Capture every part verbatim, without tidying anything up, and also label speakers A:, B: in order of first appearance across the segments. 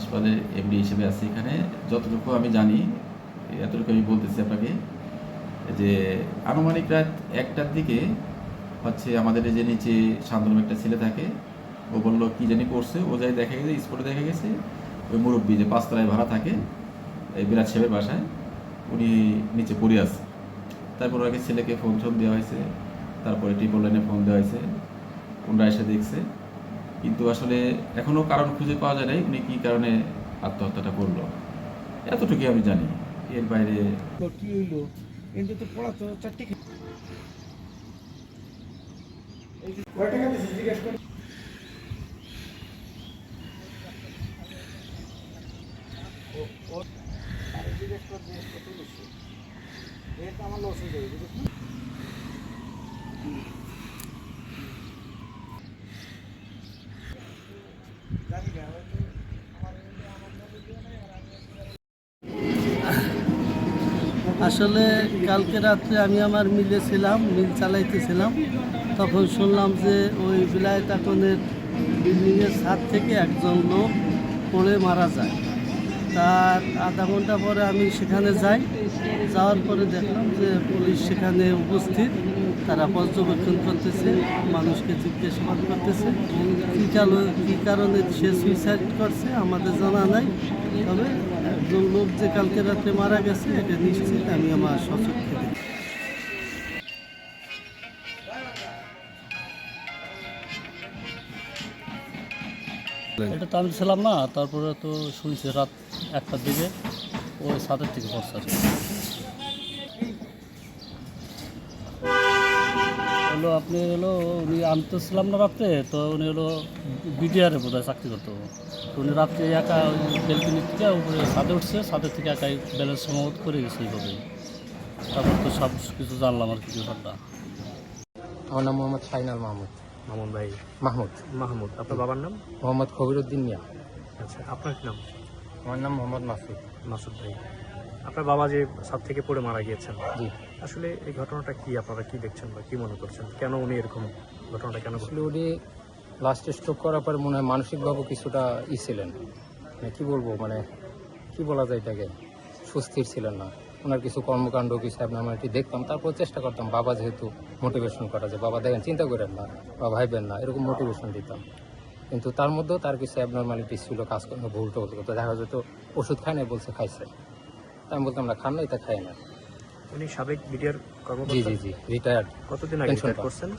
A: হাসপাতালের এমডি হিসেবে আছি এখানে। যতটুকু আমি জানি এতটুকু আমি বলতেছি আপনাকে যে আনুমানিক রাত একটার দিকে হচ্ছে আমাদের যে নিচে শান্তনু একটা ছেলে থাকে, ও বললো কি জানি করছে, ও যাই দেখা গেছে স্পটে দেখা গেছে ওই মুরব্বী যে পাঁচতলায় ভাড়া থাকে এই বিরাট সাহেবের বাসায় উনি নিচে পড়ে আছে। তারপর ওকে ছেলেকে ফোন টোন দেওয়া হয়েছে, তারপরে ট্রিপল লাইনে ফোন দেওয়া হয়েছে, ওনারা এসে দেখছে, কিন্তু আসলে এখনও কারণ খুঁজে পাওয়া যায় নাই উনি কী কারণে আত্মহত্যাটা করলো, এতটুকুই আমি জানি। এর বাইরে
B: কি হইলো কিন্তু তো পড়া তো চারটে কয় টাকা দিয়েছিস জিজ্ঞেস কর। জিজ্ঞেস কর জিজ্ঞেস কত দিচ্ছে এটা আমার লস হয়ে যাবে বুঝিস না। জানি না
C: আসলে কালকে রাত্রে আমি আমার মিলে ছিলাম, মিল চালাইতেছিলাম, তখন শুনলাম যে ওই বিলায়তাকনের বিল্ডিংয়ের ছাদ থেকে একজন লোক পড়ে মারা যায়। তার আধা ঘন্টা পরে আমি সেখানে যাই, যাওয়ার পরে দেখলাম যে পুলিশ সেখানে উপস্থিত, তারা পর্যবেক্ষণ করতেছে, মানুষকে জিজ্ঞাসাবাদ করতেছে। কী কারণে কী কারণে সে সুইসাইড করছে আমাদের জানা নাই, তবে একজন লোক যে কালকে রাত্রে মারা গেছে এটা নিশ্চিত আমি আমার সচক্ষে দেখি। এটা তো আমি ছিলাম না, তারপরে তো শুনছি রাত একটার দিকে ওই ছাদের থেকে পড়ছে আর কি। হলো আপনি হলো উনি আমি তো ছিলাম না রাত্রে, তো উনি হলো বিডিআরে বোধ হয় চাকরি করতো। তো উনি রাত্রে একা বেলকনি থেকে উপরে ছাদে উঠছে, ছাদের থেকে একাই ব্যালেন্স সমাবত করে গেছে এইভাবে। তারপর তো সব কিছু জানলাম আর কি ব্যাপারটা।
D: আমার নাম মোহাম্মদ শাহিনাল মাহমুদ।
E: মামুন ভাই
D: মাহমুদ
E: মাহমুদ, আপনার বাবার নাম?
D: মোহাম্মদ খবিরুদ্দিন মিয়া।
E: আচ্ছা, আপনার কি নাম?
D: আমার নাম মোহাম্মদ মাসুদ।
E: মাসুদ ভাই, আপনার বাবা যে ছাদ থেকে পড়ে মারা গিয়েছেন,
D: জি,
E: আসলে এই ঘটনাটা কি, আপনারা কি দেখছেন বা কি মনে করছেন, কেন উনি এরকম ঘটনাটা কেন
D: আসলে উনি লাস্ট স্ট্রোক করার পর মনে হয় মানসিকভাবে কিছুটা ই ছিলেন, মানে কী বলবো, মানে কি বলা যায় এটাকে, সুস্থির ছিলেন না। ওনার কিছু কর্মকাণ্ড কিছু আমরা এটি দেখতাম, তারপর চেষ্টা করতাম বাবা যেহেতু মোটিভেশন করা যায়, বাবা দেখেন চিন্তা করেন না বা ভাইবেন না, এরকম মোটিভেশন দিতাম। কিন্তু তার মধ্যেও তার কিছু অ্যাবনর্মালিটিস ছিল, কাজকর্ম ভুল টুল করতো, দেখা যেত ওষুধ খায় না, বলছে খাইছে, তাই আমি বলতাম না খান না, এটা খাই না।
E: উনি সাবেক বিডিআর
D: জি
E: কর্মকর্তা?
D: জি জি রিটায়ার্ড।
E: কতদিন আগে রিটায়ার করছেন?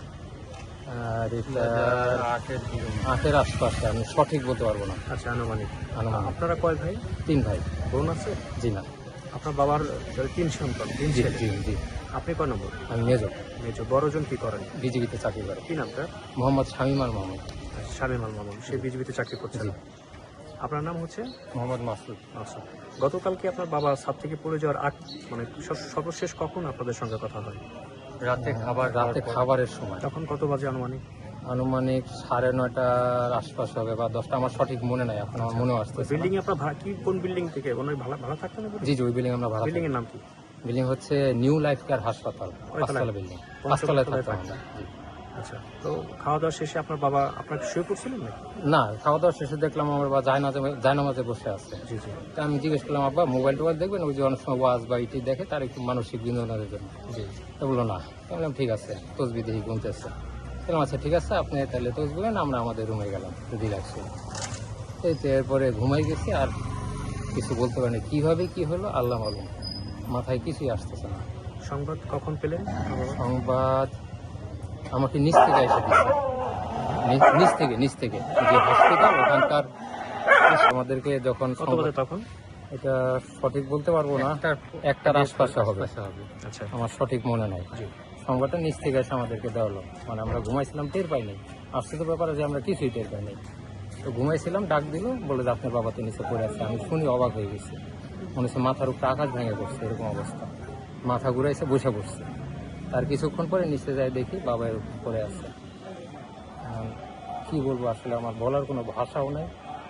D: রিটায়ার আটের আশপাশে, আমি সঠিক বলতে পারবো না।
E: আচ্ছা, আনুমানিক।
D: আনুমানিক।
E: আপনারা কয় ভাই?
D: তিন ভাই।
E: বোন আছে?
D: জি না।
E: আপনার বাবার তিন সন্তান, তিন
D: জি
E: ছেলে।
D: জি জি।
E: আপনি কয় নম্বর?
D: আমি মেজো।
E: মেজো। বড়জন কি করেন?
D: বিজিবিতে চাকরি করে।
E: কি নামটা?
D: মোহাম্মদ শামীম আল মাহমুদ।
E: শামীম আল মামুন, সে বিজিবিতে চাকরি করছেন।
D: জি।
E: আপনার নাম হচ্ছে?
D: মোহাম্মদ মাসুদ।
E: আচ্ছা, গতকালকে আপনার বাবা ছাদ থেকে পড়ে যাওয়ার আগ মানে সব- সর্বশেষ কখন আপনাদের সঙ্গে কথা হয়?
D: রাতে খাবার রাতে খাবারের সময়।
E: তখন কত বাজে আনুমানিক?
D: আনুমানিক সাড়ে নয়টার আশপাশ হবে বা দশটা, আমার সঠিক মনে নাই, এখন আমার মনে আসছে।
E: বিল্ডিং এ আপনার ভাড়া কি, কোন বিল্ডিং থেকে ওনার ভাড়া ভাড়া থাকতেন?
D: জি জি, ওই বিল্ডিং আমরা ভাড়া।
E: বিল্ডিং এর নাম কি?
D: বিল্ডিং হচ্ছে নিউ লাইফ কেয়ার হাসপাতাল, পাঁচতলা বিল্ডিং, পাঁচতলায় থাকতাম আমরা। জি।
E: আচ্ছা, তো খাওয়া দাওয়া শেষে আপনার বাবা আপনার শুয়ে পড়ছিলেন নাকি?
D: না, খাওয়া দাওয়া শেষে দেখলাম আমার বা জায়নামাজে জায়নামাজে বসে আছে।
E: জি জি
D: তা আমি জিজ্ঞেস করলাম, আব্বা মোবাইল টোবাইল দেখবেন, ওই যে অনেক সময় ওয়াজ বা ইটি দেখে, তার একটু মানসিক বিনোদনের জন্য।
E: জি।
D: তা বললো না। তো বললাম ঠিক আছে, তসবি দেখি গুনতেছে। বললাম আচ্ছা ঠিক আছে, আপনি তাহলে তসবিলেন, আমরা আমাদের রুমে গেলাম রিল্যাক্স হয়ে। এই তো এরপরে ঘুমাই গেছি, আর কিছু বলতে পারিনি, কীভাবে কী হলো আল্লাহ মালুম, মাথায় কিছুই আসতেছে না।
E: সংবাদ কখন পেলেন?
D: সংবাদ আমাকে নিচ থেকে এসে দিচ্ছে, নি- নিচ থেকে নিচ থেকে যে হসপিটাল ওখানকার আমাদেরকে যখন
E: কত বাজে
D: সংবাদ-
E: তখন?
D: এটা সঠিক বলতে পারবো না, একটার আশপাশে হবে,
E: আচ্ছা,
D: আমার সঠিক মনে নাই।
E: জি।
D: সংবাদটা নিচ থেকে এসে আমাদেরকে দেওয়া হলো, মানে আমরা ঘুমাইছিলাম, টের পাইনি। আসছে তো ব্যাপারে যে আমরা কিছুই টের পাইনি, তো ঘুমাইছিলাম, ডাক দিল, বলে যে আপনার বাবা তো নিচে পড়ে আছে। আমি শুনি অবাক হয়ে গেছি, মনে হচ্ছে মাথার উপরে আকাশ ভেঙে পড়ছে, এরকম অবস্থা, মাথা ঘুরাইছে, বসে পড়ছে। তার কিছুক্ষণ পরে নিচে যাই দেখি বাবা এর উপর পড়ে আছে। এখন কি বলবো, আসলে আমার বলার কোনো ভাষাও নেই,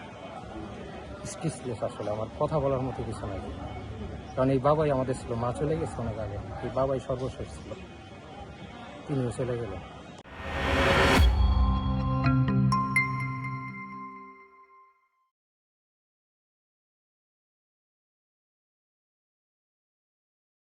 D: স্পিচলেস, আসলে আমার কথা বলার মতো কিছু নাই। কারণ এই বাবাই আমাদের ছিল, মা চলে গেছে অনেক আগে, এই বাবাই সর্বশেষ ছিল, তিনিও চলে গেল।